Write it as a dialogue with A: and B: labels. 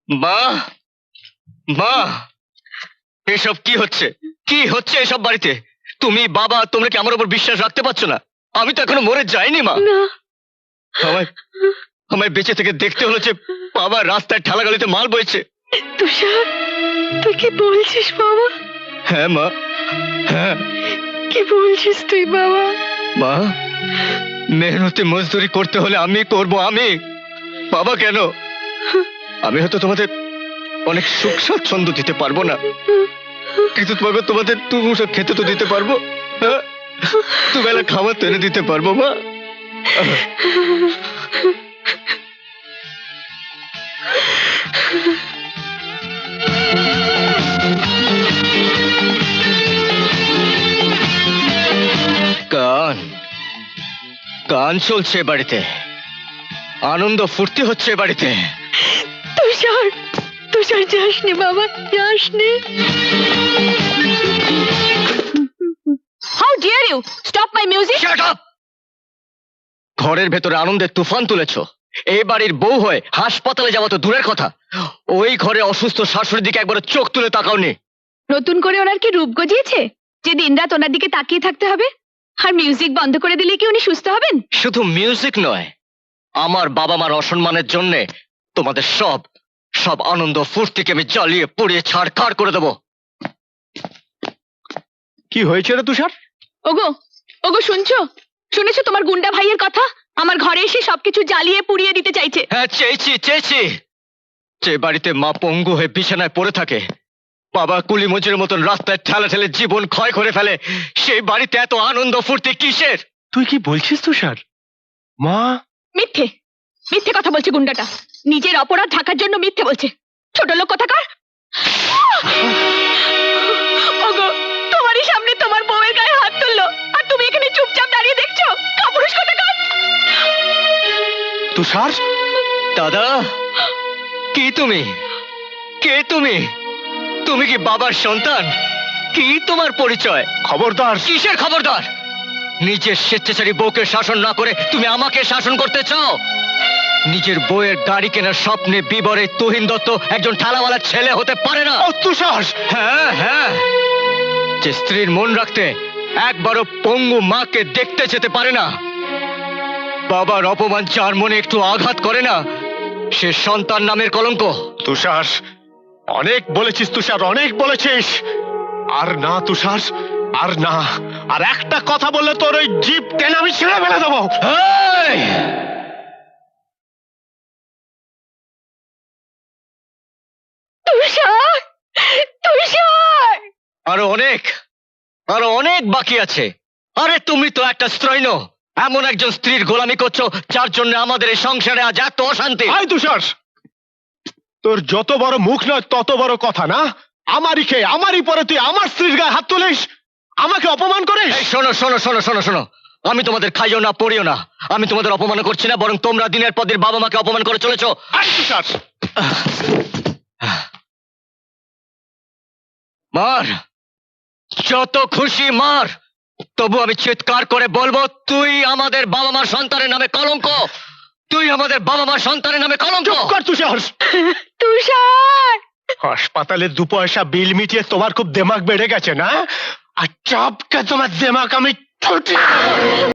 A: মা, মা, এসব কি হচ্ছে? কি হচ্ছে এসব বাড়িতে? তুমি বাবা, তোমরা কি আমার উপর বিশ্বাস রাখতে পারছো না? আমি তো এখনো মরে যাইনি মা।
B: না,
A: আমায় আমায় বেঁচে থেকে দেখতে হলো যে বাবা রাস্তায় ঠেলাগালিতে মাল বইছে।
B: তুষার, তুই কি বলছিস বাবা?
A: হ্যাঁ মা, হ্যাঁ
B: কি বলছিস তুই বাবা?
A: মা, মেহনতি মজদুরি করতে হলে আমি করব, আমি। বাবা কেন? আমি হয়তো তোমাদের অনেক সুখ স্বাচ্ছন্দ্য দিতে পারবো না, কিন্তু তোমাদের দুমুঠো খেতে তো দিতে পারবো। হ্যাঁ? দুবেলা খাবার তো এনে দিতে পারবো মা। গান গান চলছে এ বাড়িতে, আনন্দ ফুর্তি হচ্ছে এ বাড়িতে।
B: তুষার, তুষার যাসনি বাবা, যাসনি। How dare you stop my music?
A: Shut up! ঘরের ভেতরে আনন্দের তুফান তুলেছ। এই বাড়ির বউ হয়ে হাসপাতালে যাওয়া তো দূরের কথা, ওই ঘরে অসুস্থ শাশুড়ির দিকে একবার চোখ তুলে তাকাওনি।
B: নতুন করে ওনার কি রূপ গজিয়েছে যে দিনরাত ওনার দিকে তাকিয়ে থাকতে হবে? আর মিউজিক বন্ধ করে দিলে কি উনি সুস্থ হবেন?
A: শুধু মিউজিক নয়, আমার বাবা মার অসম্মানের জন্য তোমাদের সব সব আনন্দ ফুর্তিকে আমি জ্বালিয়ে পুড়িয়ে ছাড়খাড় করে দেবো। কি হয়েছে রে তুষার?
B: ওগো, ওগো শুনছো? শুনেছো তোমার গুন্ডা ভাইয়ের কথা? আমার ঘরে এসে সবকিছু জ্বালিয়ে পুড়িয়ে দিতে চাইছে।
A: হ্যাঁ, চেয়েছি। যে বাড়িতে মা পঙ্গু হয়ে বিছানায় পড়ে থাকে, বাবা কুলি মজুরের মতন রাস্তায় ঠেলে ঠেলে জীবন ক্ষয় করে ফেলে, সেই বাড়িতে এত আনন্দ ফুর্তি কিসের?
C: তুই কি বলছিস তুষার? মা,
B: মিথ্যে, মিথ্যে কথা বলছে গুন্ডাটা। নিজের অপরাধ ঢাকার জন্য মিথ্যে বলছে। ছোট লোক কোথাকার। ওগো, তোমারই সামনে তোমার বউয়ের গায়ে হাত তুললো, আর তুমি এখানে চুপচাপ দাঁড়িয়ে দেখছো? কাপুরুষ কোথাকার।
C: তুষার,
A: দাদা, কি তুমি? কে তুমি? তুমি কি বাবার সন্তান? কি তোমার পরিচয়?
C: খবরদার!
A: কিসের খবরদার? নিজের স্বেচ্ছাচারী বউকে শাসন না করে তুমি আমাকে শাসন করতে চাও? নিজের বউয়ের গাড়ি কেনার স্বপ্নে বিবরে তুহিন দত্ত একজন ঠেলাওয়ালার ছেলে হতে পারে না।
C: ও তুষার!
A: হ্যাঁ, যে স্ত্রীর মন রাখতে একবারও পঙ্গু মাকে দেখতে যেতে পারে না, বাবার অপমান যার মনে একটু আঘাত করে না, সে সন্তান নামের কলঙ্ক।
C: তুষার, অনেক বলেছিস তুষার, অনেক বলেছিস। আর না তুষার, আর না। আর একটা কথা বললে তোর ওই জিভ টেনে আমি ছেড়ে ফেলে দেবো।
A: এই!
B: তুষার, তুষার!
A: আরো অনেক বাকি আছে। আরে তুমি তো একটা স্ত্রৈণ, এমন একজন স্ত্রীর গোলামি করছো যার জন্য আমাদের এই সংসারে আজ এত অশান্তি।
C: আয় তুষার, তোর যত বড় মুখ নয় তত বড় কথা না? আমারই খেয়ে আমারই পরে তুই আমার স্ত্রীর গায়ে হাত তুলিস, আমাকে অপমান করিস।
A: এই শোনো, আমি তোমাদের খাইও না পড়িও না। আমি তোমাদের অপমান করছি না, বরং তোমরা দিনের পর দিন বাবা মাকে অপমান করে চলেছো।
C: আয় তুষার!
A: মার, যত খুশি মার, তবু আমি চিৎকার করে বলবো, তুই আমাদের বাবা মার সন্তানের নামে কলঙ্ক। তুই আমাদের বাবা মার সন্তানের নামে কলঙ্ক।
C: চুপ কর তুষার!
B: তুষার!
C: হাসপাতালে 2 পয়সা বিল মিটিয়ে তোমার খুব দেমাগ বেড়ে গেছে না? আর চাপকে তোমার দেমাগ আমি ছুটি